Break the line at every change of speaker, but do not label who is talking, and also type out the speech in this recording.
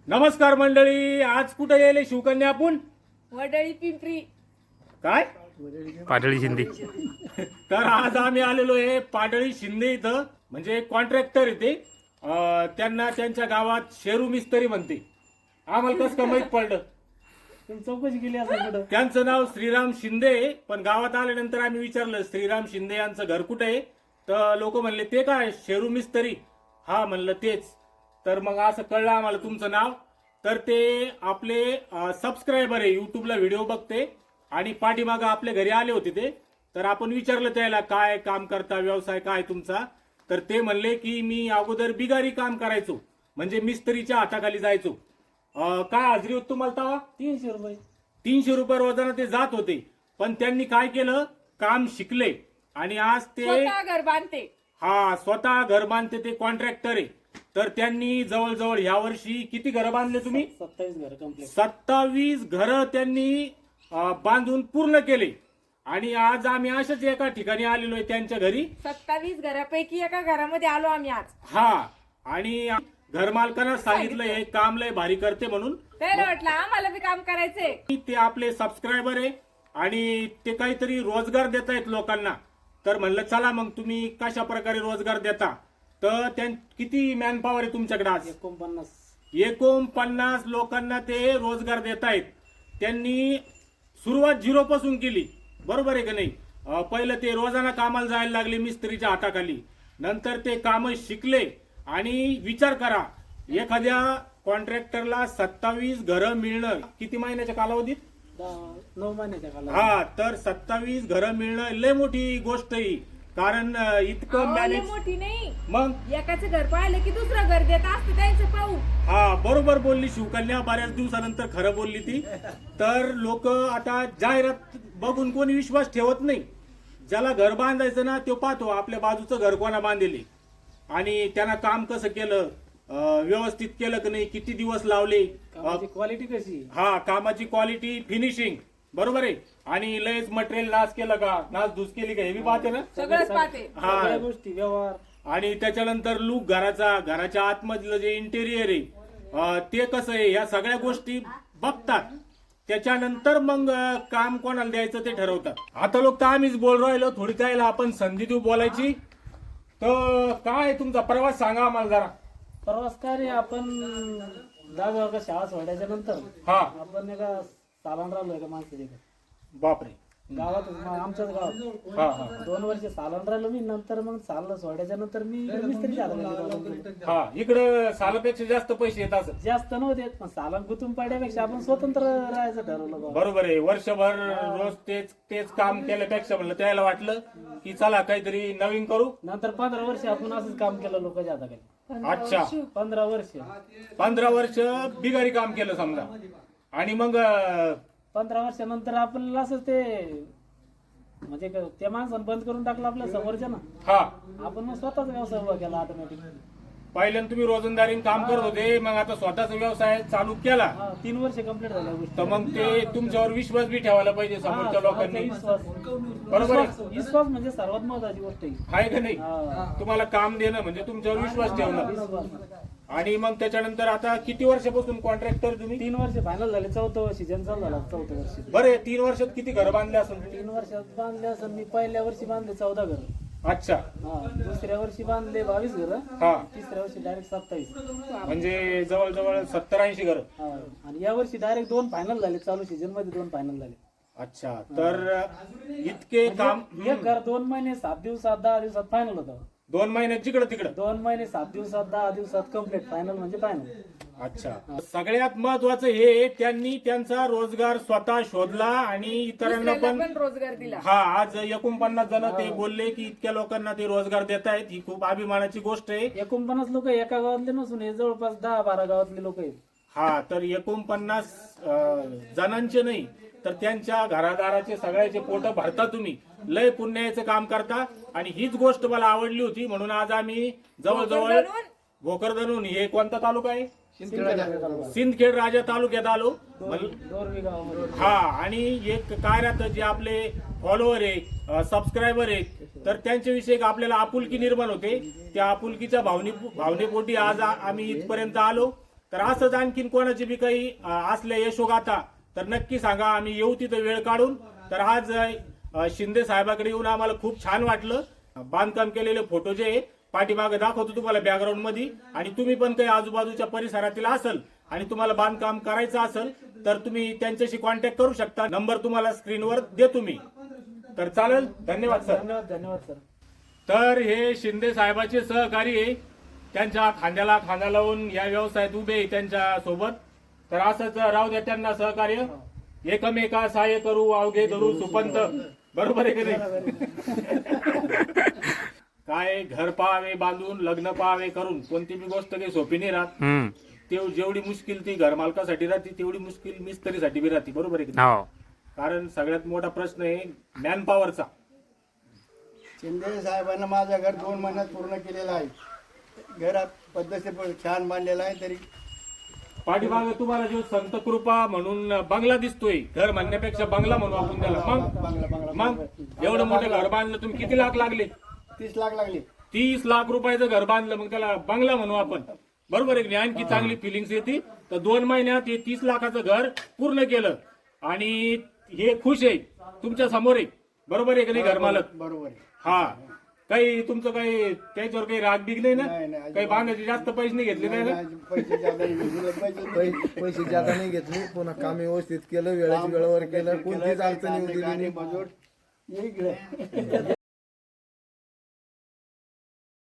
नमस्कार मंडळी, आज कुठे गेले शिवकन्या आपण?
वडळी पिंपरी.
काय
पाडळी शिंदे.
तर आज आम्ही आलेलो आहे पाडळी शिंदे इथं. म्हणजे कॉन्ट्रॅक्टर येते, त्यांना त्यांच्या गावात शेरू मिस्त्री म्हणते. आम्हाला कसं का माहित पडलं?
चौकशी केली असं.
त्यांचं नाव श्रीराम शिंदे आहे, पण गावात आल्यानंतर आम्ही विचारलं श्रीराम शिंदे यांचं घर कुठे आहे, तर लोक म्हणले ते काय शेरू मिस्त्री. हा म्हणलं तेच. तर मग असं कळलं आम्हाला तुमचं नाव. तर ते आपले सबस्क्रायबर आहे, युट्यूबला व्हिडिओ बघते आणि पाठीमागं आपल्या घरी आले होते ते. तर आपण विचारलं त्याला काय काम करता, व्यवसाय काय तुमचा. तर ते म्हणले की मी अगोदर बिगारी काम करायचो, म्हणजे मिस्त्रीच्या हाताखाली जायचो. काय हाजरी होती तुम्हाला तेव्हा?
300 रुपये.
300 रुपये रोजानं ते जात होते. पण त्यांनी काय केलं, काम शिकले आणि आज ते
स्वतः घर बांधते.
स्वतः घर बांधते. ते कॉन्ट्रॅक्टर आहे. तर त्यांनी जवळजवळ ह्या वर्षी किती घरं बांधले तुम्ही?
27 घर कंप्लीट.
27 घरं त्यांनी बांधून पूर्ण केले. आणि आज आम्ही अशाच एका ठिकाणी आलेलो आहे त्यांच्या घरी.
27 घरापैकी एका घरामध्ये आलो आम्ही आज.
आणि घर मालकांना सांगितलं हे काम लय भारी करते म्हणून.
त्याला वाटलं आम्हाला बी काम करायचंय.
ते आपले सबस्क्रायबर आहे आणि ते काहीतरी रोजगार देत आहेत लोकांना. तर म्हणलं चला मग तुम्ही कशा प्रकारे रोजगार देता. तर किती मॅन पॉवर आहे तुमच्याकडे आज? 49 लोकांना ते रोजगार देत आहेत. त्यांनी सुरुवात 0 पासून केली, बरोबर आहे का नाही? पहिलं ते रोजाना कामाला जायला लागले मिस्त्रीच्या हाताखाली. नंतर ते काम शिकले. आणि विचार करा, एखाद्या कॉन्ट्रॅक्टरला 27 घरं मिळणं किती महिन्याच्या कालावधीत?
9 महिन्याच्या कालावधीत.
तर 27 घरं मिळणं लय मोठी गोष्ट आहे. कारण इतकं
अहो, लय
मॅनेज.
मोठी नाही.
मग
एकाचं घर पाहिलं की दुसरं घर देत असतं त्यांचं पाहू.
बरोबर बोलली शिवकन्या, बऱ्याच दिवसानंतर खरं बोलली ती. तर लोक आता जाहिरात बघून कोणी विश्वास ठेवत नाही. ज्याला घर बांधायचं ना तो पाहतो आपल्या बाजूचं घर कोणा बांधले आणि त्यांना काम कसं केलं, व्यवस्थित केलं की नाही, किती दिवस लावले,
क्वालिटी कशी.
कामाची क्वालिटी, फिनिशिंग, बरोबर आहे. आणि लयच मटेरियल नाश केलं का, नाश धूस केली का, हे बी पाहते ना.
सगळंच पाहते.
सगळ्या गोष्टी व्यवहार.
आणि त्याच्यानंतर लुक घराच्या आतमधलं जे इंटेरियर आहे ते कसं आहे, ह्या सगळ्या गोष्टी बघतात. त्याच्यानंतर मग काम कोणाला द्यायचं ते ठरवतात. आता लोक तर आम्हीच बोल राहिलो, थोडी त्याला आपण संधी देऊ बोलायची. तर काय तुमचा प्रवास सांगा आम्हाला जरा.
प्रवास काय रे, आपण 10 का शाळा सोडायच्या नंतर आपण एका सालान राहिलो एका माणसाच्या
बापरे,
गावात, आमच्याच गावात 2 वर्ष सालान राहिलो मी. नंतर मग साल सोडायच्या नंतर मी मिस्त्रीच्या हाताखाली.
इकडं सालापेक्षा जास्त पैसे येत असत.
जास्त नव्हते, पण सालान गुंतून पाडण्यापेक्षा आपण स्वतंत्र राहायचं ठरवलं.
बरोबर आहे. वर्षभर रोज तेच काम केल्यापेक्षा म्हणलं त्याला वाटलं की चला काहीतरी नवीन करू.
नंतर 15 वर्ष आपण असंच काम केलं लोकांच्या हाताखाली.
अच्छा,
15
वर्ष बिगारी काम केलं समजा. आणि मग
15 वर्षानंतर आपल्याला असं ते म्हणजे त्या माणसानं बंद करून टाकलं आपल्या समोरच्या ना. आपण मग स्वतःचा व्यवसाय उभा केला ऑटोमॅटिक.
पहिल्यांदा तुम्ही रोजंदारीने काम करत होते, मग आता स्वतःचा व्यवसाय चालू केला.
3 वर्ष कंप्लीट झाल्या गोष्टी.
तर मग ते तुमच्यावर विश्वास बी ठेवायला पाहिजे समोरच्या लोकांनी. बरोबर आहे.
विश्वास म्हणजे सर्वात महत्वाची गोष्ट
आहे का नाही? तुम्हाला काम देणं म्हणजे तुमच्यावर विश्वास ठेवणं. आणि मग त्याच्यानंतर आता किती वर्षापासून कॉन्ट्रॅक्टर तुम्ही?
3 वर्ष फायनल झाले. 4थं सीझन चालू झाला. 4थं वर्ष.
बरे, 3 वर्षात किती घरं बांधले असेल?
3 वर्षात बांधले असेल मी. पहिल्या वर्षी बांधले 14 घर.
अच्छा.
दुसऱ्या वर्षी बांधले 22 घर. तिसऱ्या वर्षी डायरेक्ट 27.
म्हणजे जवळजवळ 70-80 घरं.
आणि या वर्षी डायरेक्ट 2 फायनल झाले. चालू सीझन मध्ये 2 फायनल झाले.
अच्छा. तर इतके काम.
एक घर 2 महिने 7 दिवसात 10 दिवसात फायनल होतं.
2 महिन्यात जिकडं तिकडं.
2 महिने 7 दिवसात 10 दिवसात कम्प्लीट फायनल म्हणजे फायनल.
अच्छा. सगळ्यात महत्वाचं हे त्यांनी त्यांचा रोजगार स्वतः शोधला आणि इतरांना
दुसऱ्याला
पण
पण रोजगार दिला.
आज 49 जण ते बोलले की इतक्या लोकांना ते रोजगार देत आहेत. ही खूप अभिमानाची गोष्ट आहे.
49 लोक एका गावातले नसून हे जवळपास 10-12 गावातले लोक आहेत.
तर 49 जणांचे नाही तर त्यांच्या घरादाराचे सगळ्याचे पोट भरता तुम्ही. लय पुण्याचं काम करता. आणि हीच गोष्ट मला आवडली होती म्हणून आज आम्ही जवळजवळ भोकरदनून, हे कोणता तालुका आहे? सिंदखेड राजा तालुक्यात आलो.
दोरवी गावामध्ये.
आणि एक काय राहतं, जे आपले फॉलोअर आहे, सबस्क्रायबर आहेत, तर त्यांच्याविषयी आपल्याला आपुलकी निर्माण होते. त्या आपुलकीच्या भावनेपोटी आज आम्ही इथपर्यंत आलो. तर असंच आणखीन कोणाची बी काही असल्या यशोगाथा तर नक्की सांगा, आम्ही येऊ तिथं वेळ काढून. तर आज शिंदे साहेबाकडे येऊन आम्हाला खूप छान वाटलं. बांधकाम केलेले फोटो जे आहे पाठीमागे दाखवतो तुम्हाला बॅकग्राऊंड मध्ये, आणि तुम्ही पण काही आजूबाजूच्या परिसरातील असेल आणि तुम्हाला बांधकाम करायचं असेल तर तुम्ही त्यांच्याशी कॉन्टॅक्ट करू शकता. नंबर तुम्हाला स्क्रीनवर देतो मी. तर चालेल, धन्यवाद सर.
धन्यवाद सर.
तर हे शिंदे साहेबाचे सहकारी आहे, त्यांच्या खांद्याला खांदा लावून या व्यवसायात उभे आहे त्यांच्या सोबत. तर असंच राहू द्या त्यांना सहकार्य. एकमेका सहाय्य करू अवघे धरू सुपंत. बरोबर आहे की नाही? काय घर पाहावे बांधून लग्न पाहावे करून कोणती बी गोष्ट काही सोपी नाही राहत. जेवढी मुश्किल ती घर मालकासाठी राहते तेवढी मुश्किल मिस्त्रीसाठी बी राहते. बरोबर आहे की नाही? कारण सगळ्यात मोठा प्रश्न आहे मॅन पॉवरचा.
शिंदे साहेबांना माझं घर 2 महिन्यात पूर्ण केलेलं आहे. घरात पद्धतशीर छान बांधलेलं आहे. तरी
पाठीमागे तुम्हाला जो संत कृपा म्हणून बंगला दिसतोय, घर म्हणण्यापेक्षा बंगला म्हणू आपण त्याला. मग एवढं मोठं घर बांधलं तुम्ही, किती लाख लागले?
30 लाख लागले.
30 लाख रुपयाचं घर बांधलं, मग त्याला बंगला म्हणू आपण. बरोबर आहे की नाही? आणखी चांगली फिलिंग्स येते. तर 2 महिन्यात हे 30 लाखाचं घर पूर्ण केलं आणि हे खुश आहे तुमच्या समोर आहे. बरोबर आहे की नाही घर मालक?
बरोबर आहे.
हा, काही तुमचं काही त्याच्यावर काही राग बिग नाही ना?
नाही.
काही बांधायचे जास्त पैसे नाही घेतले नाही ना?
पैसे जादा नाही घेतले.
पैसे जादा नाही घेतले, पुन्हा काम व्यवस्थित केलं, वेळेवर केलं, कोणतीच अडचण येऊ दिली नाही.
मजूर इकडे